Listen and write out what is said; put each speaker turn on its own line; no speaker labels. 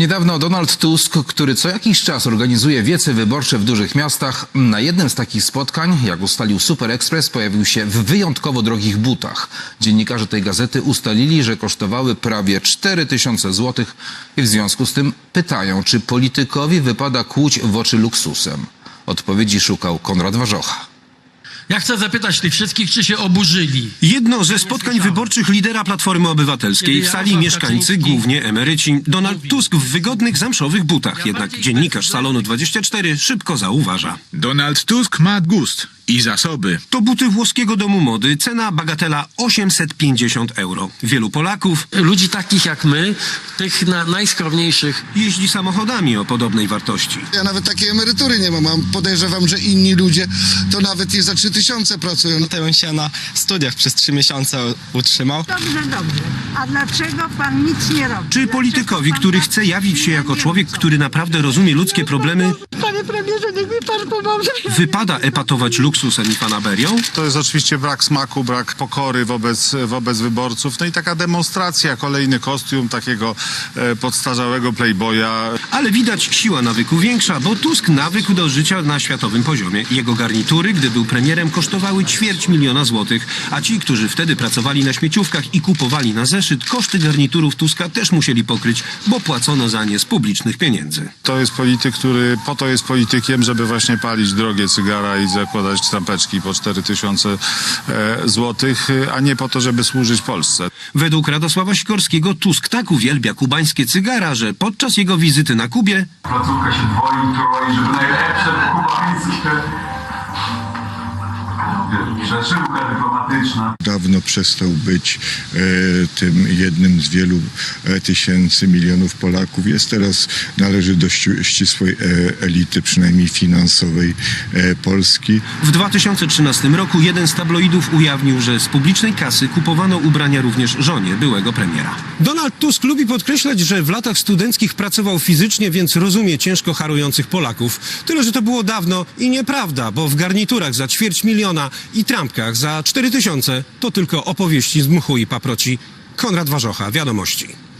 Niedawno Donald Tusk, który co jakiś czas organizuje wiece wyborcze w dużych miastach, na jednym z takich spotkań, jak ustalił Super Express, pojawił się w wyjątkowo drogich butach. Dziennikarze tej gazety ustalili, że kosztowały prawie 4000 zł i w związku z tym pytają, czy politykowi wypada kłuć w oczy luksusem. Odpowiedzi szukał Konrad Warzocha.
Ja chcę zapytać tych wszystkich, czy się oburzyli.
Jedno ze spotkań wyborczych lidera Platformy Obywatelskiej. W sali mieszkańcy, głównie emeryci. Donald Tusk w wygodnych, zamszowych butach. Jednak dziennikarz Salonu 24 szybko zauważa.
Donald Tusk ma gust i zasoby.
To buty włoskiego domu mody. Cena bagatela 850 euro. Wielu Polaków
Ludzi takich jak my, tych najskromniejszych.
jeździ samochodami o podobnej wartości.
Ja nawet takiej emerytury nie mam. Podejrzewam, że inni ludzie to nawet nie za 3000 pracują.
To bym się na studiach przez 3 miesiące utrzymał.
Dobrze. A dlaczego pan nic nie robi?
Czy politykowi, który chce jawić się jako człowiek, który naprawdę rozumie ludzkie problemy,
Panie premierze, niech mi pan pomoże.
wypada epatować luksusem i fanaberią?
To jest oczywiście brak smaku, brak pokory wobec wyborców. No i taka demonstracja, kolejny kostium takiego podstarzałego playboya.
Ale widać siła nawyku większa, bo Tusk nawykł do życia na światowym poziomie. Jego garnitury, gdy był premierem, kosztowały 250 000 złotych, a ci, którzy wtedy pracowali na śmieciówkach i kupowali na zeszyt, koszty garniturów Tuska też musieli pokryć, bo płacono za nie z publicznych pieniędzy.
To jest polityk, który po to jest politykiem, żeby właśnie palić drogie cygara i zakładać trampeczki po 4000 złotych, a nie po to, żeby służyć Polsce.
Według Radosława Sikorskiego Tusk tak uwielbia kubańskie cygara, że podczas jego wizyty na Kubie
Placówka się troi, żeby najlepsze kubańskie rzeczywka dyplomatyczna.
Dawno przestał być tym jednym z wielu tysięcy, milionów Polaków. Jest teraz, należy do ścisłej elity, przynajmniej finansowej Polski.
w 2013 roku jeden z tabloidów ujawnił, że z publicznej kasy kupowano ubrania również żonie byłego premiera.
Donald Tusk lubi podkreślać, że w latach studenckich pracował fizycznie, więc rozumie ciężko harujących Polaków. Tyle, że to było dawno i nieprawda, bo w garniturach za 250 000 i trampkach za 4000 to tylko opowieści z mchu i paproci. Konrad Warzocha, Wiadomości.